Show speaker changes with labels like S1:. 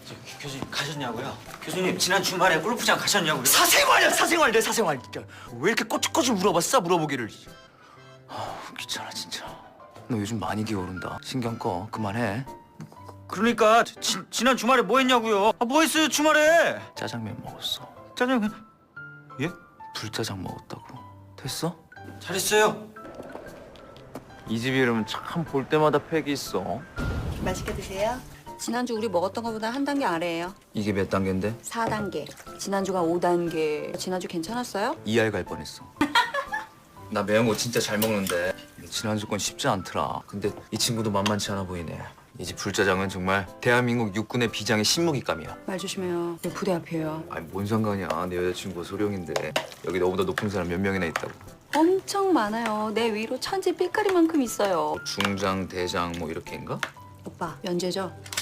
S1: 교수님 가셨냐고요? 교수님 지난 주말에 골프장 가셨냐고요?
S2: 사생활이야 사생활 내 사생활 진짜. 왜 이렇게 꼬치꼬치 물어봤어 물어보기를. 귀찮아 진짜. 너 요즘 많이 기어오른다. 신경 꺼 그만해.
S1: 그러니까 지난 주말에 뭐 했냐고요? 뭐 했어요 주말에?
S2: 짜장면 먹었어.
S1: 짜장면. 예?
S2: 불짜장 먹었다고. 됐어?
S1: 잘했어요.
S2: 이 집 이름은 참 볼 때마다 팩이 있어.
S3: 맛있게 드세요.
S4: 지난주 우리 먹었던 것보다 한 단계 아래예요.
S2: 이게 몇 단계인데?
S4: 4단계. 지난주가 5단계. 지난주 괜찮았어요?
S2: 이할 갈 뻔했어. 나 매운 거 진짜 잘 먹는데 지난주 건 쉽지 않더라. 근데 이 친구도 만만치 않아 보이네. 이 집 불짜장은 정말 대한민국 육군의 비장의 신무기감이야.
S4: 말 조심해요. 내 부대 앞이에요.
S2: 아니 뭔 상관이야. 내 여자친구가 소령인데 여기 너보다 높은 사람 몇 명이나 있다고.
S4: 엄청 많아요. 내 위로 천지 삐까리만큼 있어요.
S2: 중장, 대장 뭐 이렇게인가?
S4: 오빠, 면제죠?